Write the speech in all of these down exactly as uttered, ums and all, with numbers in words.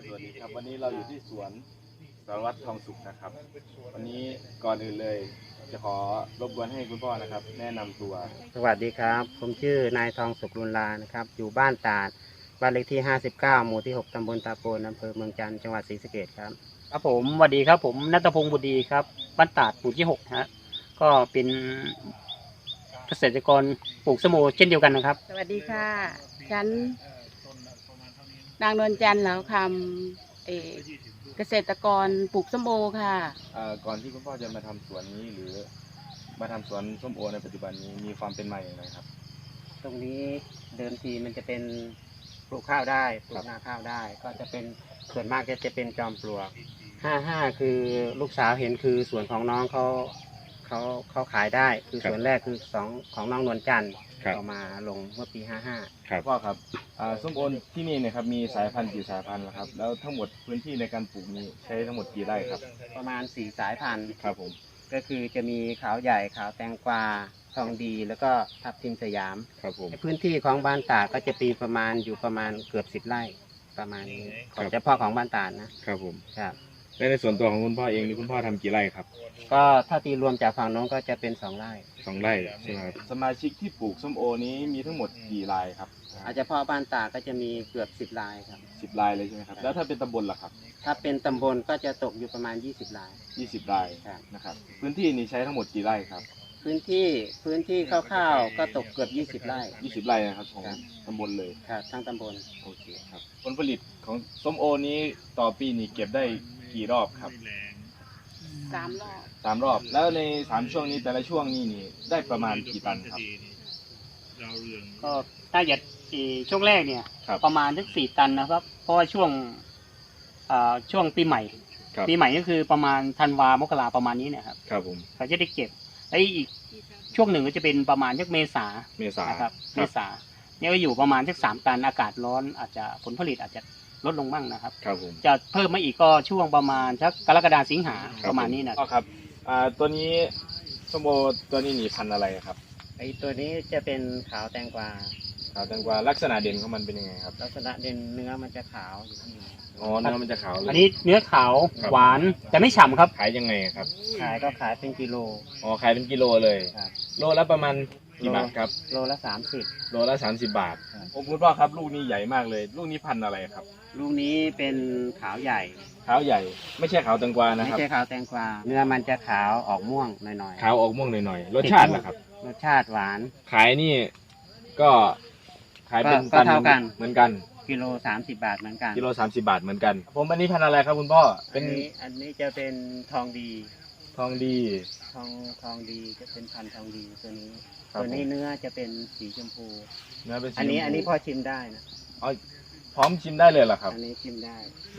สวัสดีครับวันนี้เราอยู่ที่สวนสารวัตรทองสุขนะครับวันนี้ก่อนอื่นเลยจะขอรบกวนให้คุณพ่อนะครับ แนะนำตัวสวัสดีครับผมชื่อนายทองสุขลุนลานะครับอยู่บ้านตาดบ้านเลขที่ห้าสิบเก้าหมู่ที่หกตำบลตาโปนอำเภอเมืองจันทร์จังหวัดศรีสะเกษครับครับผมสวัสดีครับผมณัฐพงศ์บุตรดีครับบ้านตาดหมู่ที่หกฮะก็เป็นเกษตรกรปลูกสโมเช่นเดียวกันนะครับสวัสดีค่ะฉันนางนวลจันทร์เหลาคำเอ่อเกษตรกรปลูกส้มโอค่ะก่อนที่คุณพ่อจะมาทำสวนนี้หรือมาทำสวนส้มโอในปัจจุบันนี้มีความเป็นมาอย่างไรครับตรงนี้เดิมทีมันจะเป็นปลูกข้าวได้ปลูกนาข้าวได้ก็จะเป็นส่วนมากจะจะเป็นจอมปลวกห้าห้าคือลูกสาวเห็นคือสวนของน้องเขาเขาเขาขายได้คือส่วนแรกคือสองของน้องนวลจันทร์เอามาลงเมื่อปีห้าห้าครับพ่อครับส้มโอที่นี่เนี่ยครับมีสายพันธุ์กี่สายพันธุ์ครับแล้วทั้งหมดพื้นที่ในการปลูกนี้ใช้ทั้งหมดกี่ไร่ครับประมาณสี่สายพันธุ์ครับผมก็คือจะมีขาวใหญ่ขาวแตงกวาทองดีแล้วก็ทับทิมสยามครับผมพื้นที่ของบ้านตาดก็จะปีประมาณอยู่ประมาณเกือบสิบไร่ประมาณนี้ของเฉพาะของบ้านตาดนะครับผมครับและในส่วนตัวของคุณพ่อเองนี่คุณพ่อทำกี่ไร่ครับก็ถ้าตีรวมจากฝั่งโน้นก็จะเป็นสองไร่สองไร่ใช่ไหมครับสมาชิกที่ปลูกส้มโอนี้มีทั้งหมดกี่รายครับอาจจะพ่อบ้านตาดก็จะมีเกือบสิบรายครับสิบรายเลยใช่ไหมครับแล้วถ้าเป็นตำบลล่ะครับถ้าเป็นตำบลก็จะตกอยู่ประมาณยี่สิบรายยี่สิบรายนะครับพื้นที่นี้ใช้ทั้งหมดกี่ไร่ครับพื้นที่พื้นที่คร่าวๆก็ตกเกือบยี่สิบไร่ยี่สิบไร่นะครับของตำบลเลยครับทั้งตำบลโอเคครับผลผลิตของส้มโอนี้ต่อปีนี้เก็บได้กี่รอบครับสามรอบสามรอบแล้วในสามช่วงนี้แต่ละช่วงนี้นี่ได้ประมาณกี่ตันครับก็ถ้าจะช่วงแรกเนี่ยประมาณสักสี่ตันนะครับเพราะว่าช่วงช่วงปีใหม่ปีใหม่ก็คือประมาณธันวามกราประมาณนี้เนี่ยครับครับผมเขาจะได้เก็บแล้วอีกช่วงหนึ่งก็จะเป็นประมาณสักเมษาเมษาครับเมษาเนี่ยก็อยู่ประมาณสักสามตันอากาศร้อนอาจจะผลผลิตอาจจะลดลงบ้างนะครับครับผมจะเพิ่มมาอีกก็ช่วงประมาณสักกรกฎาสิงหาประมาณนี้นะครับอ่าตัวนี้ส้มโอตัวนี้หนีพันธุ์อะไรครับไอตัวนี้จะเป็นขาวแตงกวาขาวแตงกวาลักษณะเด่นของมันเป็นยังไงครับลักษณะเด่นเนื้อมันจะขาวอยู่ข้างในอ๋อเนื้อมันจะขาวอันนี้เนื้อขาวหวานแต่ไม่ฉ่ำครับขายยังไงครับขายก็ขายเป็นกิโลอ๋อขายเป็นกิโลเลยโลละประมาณกี่บาทครับโลละสามสิบโลละสามสิบบาทโอ้คุณพ่อครับลูกนี้ใหญ่มากเลยลูกนี้พันธุ์อะไรครับลูกนี้เป็นขาวใหญ่ขาวใหญ่ไม่ใช่ขาวแตงกวานะครับไม่ใช่ขาวแตงกวาเนื้อมันจะขาวออกม่วงหน่อยๆขาวออกม่วงหน่อยๆรสชาติล่ะครับรสชาติหวานขายนี่ก็ขายเป็นตันเหมือนกันกิโลสามสิบบาทเหมือนกันกิโลสามสิบบาทเหมือนกันผมอันนี้พันธุ์อะไรครับคุณพ่อเป็นอันนี้จะเป็นทองดีทองดีทองทองดีจะเป็นพันธุ์ทองดีตัวนี้ตัวนี้เนื้อจะเป็นสีชมพูเนื้อเป็นสีอันนี้อันนี้พอชิมได้นะอ๋อพร้อมชิมได้เลยเหรอครับอันนี้ชิมได้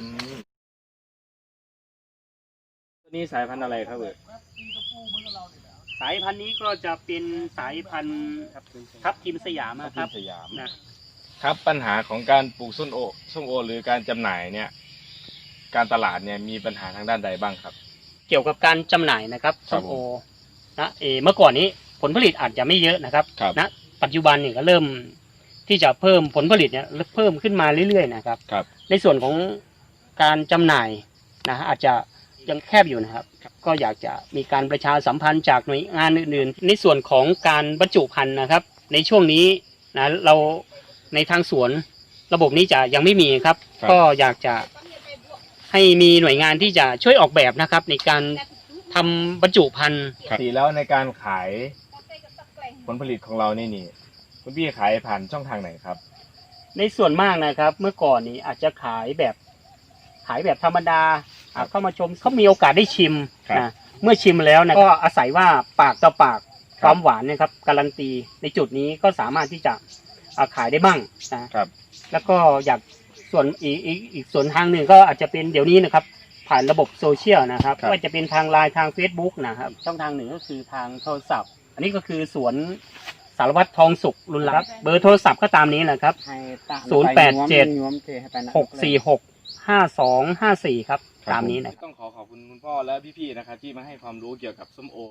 ตัวนี้สายพันธุ์อะไรครับเอ่ยสายพันธุ์นี้ก็จะเป็นสายพันธุ์ทับทิมสยามครับสยามนะครับปัญหาของการปลูกส้มโอส้มโอหรือการจำหน่ายเนี่ยการตลาดเนี่ยมีปัญหาทางด้านใดบ้างครับเกี่ยวกับการจำหน่ายนะครับส้มโอนะเอเมื่อก่อนนี้ผลผลิตอาจจะไม่เยอะนะครับนะปัจจุบันนี่ก็เริ่มที่จะเพิ่มผลผลิตเนี่ยเพิ่มขึ้นมาเรื่อยๆนะครับในส่วนของการจำหน่ายนะอาจจะยังแคบอยู่นะครับก็อยากจะมีการประชาสัมพันธ์จากหน่วยงานอื่นๆในส่วนของการบรรจุภัณฑ์นะครับในช่วงนี้นะเราในทางสวนระบบนี้จะยังไม่มีครับก็อยากจะให้มีหน่วยงานที่จะช่วยออกแบบนะครับในการทำบรรจุภัณฑ์สีแล้วในการขายผลผลิตของเรานี่นี่คุณพี่ขายผ่านช่องทางไหนครับในส่วนมากนะครับเมื่อก่อนนี้อาจจะขายแบบขายแบบธรรมดาเข้ามาชมเขามีโอกาสได้ชิมนะเมื่อชิมแล้วนะก็อาศัยว่าปากต่อปากความหวานนะครับการันตีในจุดนี้ก็สามารถที่จะขายได้บ้างนะครับแล้วก็อยากส่วนอีกอีกอีกส่วนทางหนึ่งก็อาจจะเป็นเดี๋ยวนี้นะครับผ่านระบบโซเชียลนะครับว่าจะเป็นทางไลน์ทาง Facebook นะครับช่องทางหนึ่งก็คือทางโทรศัพท์อันนี้ก็คือสวนสารวัตรทองสุขลุนลักษณ์เบอร์โทรศัพท์ก็ตามนี้แหละครับศูนย์แปดเจ็ดหกสี่หกห้าสองห้าสี่ครับตามนี้นะต้องขอขอบคุณคุณพ่อและพี่ๆนะครับที่มาให้ความรู้เกี่ยวกับส้มโอ